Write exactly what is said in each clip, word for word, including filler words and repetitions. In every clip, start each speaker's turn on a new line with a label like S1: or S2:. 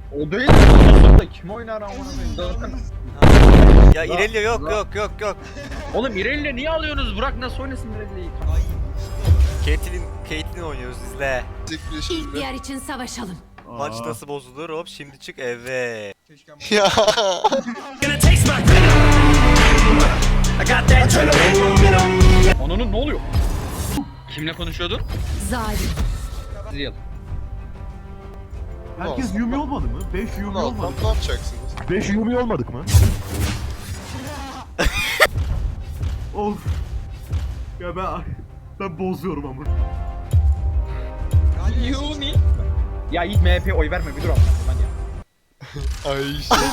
S1: O değil de da kim oynar amına koyayım zaten.
S2: Ya İrelia yok yok yok yok.
S1: Oğlum Irelia niye alıyorsunuz? Bırak nasıl oynasın Irelia'yı?
S2: Caitlyn, Caitlyn oynuyoruz izle.
S3: İhtiyar için savaşalım.
S2: Maç nasıl bozulur hop şimdi çık eve.
S4: Ya.
S1: Ananın ne oluyor? Kimle konuşuyordun?
S3: Zalim.
S1: Real.
S5: Herkes Yumi olmadı mı? beş Yumi
S4: Ne
S5: olmadı
S4: yapalım,
S5: mı?
S4: ne yapacaksınız?
S5: beş Yumi olmadık mı? Of. Ya ben ben bozuyorum ama.
S1: Yumi. Ya Yiğit M H P'ye oy verme bir dur amına koyayım ya.
S4: Ay şey.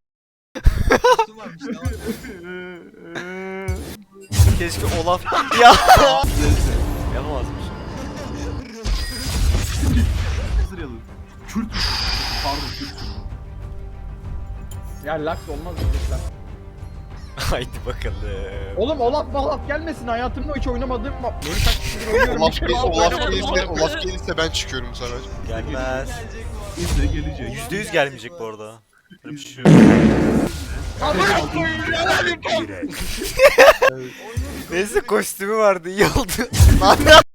S2: Keşke Olaf ya. Yapamazmış.
S5: Sırayalım. Kürt. Pardon Kürt.
S1: Ya Lux olmaz diyecekler.
S2: Haydi bakalım.
S1: Oğlum Olaf Malaf gelmesin hayatımda hiç oynamadığım bak. Beni kaç kişidir oynuyorum.
S4: Olaf
S1: bir kere
S4: gelirse,
S1: Olaf
S4: Olaf
S1: oynamadım,
S4: gelirse,
S1: amına
S4: Olaf
S1: koyayım.
S4: gelirse ben çıkıyorum sana.
S2: Gelmez.
S5: İzle gelecek.
S2: Yüzde yüz gelmeyecek bu arada. Böyle bir şey.
S1: Amına koyayım ya.
S2: Neyse kostümü vardı iyi oldu.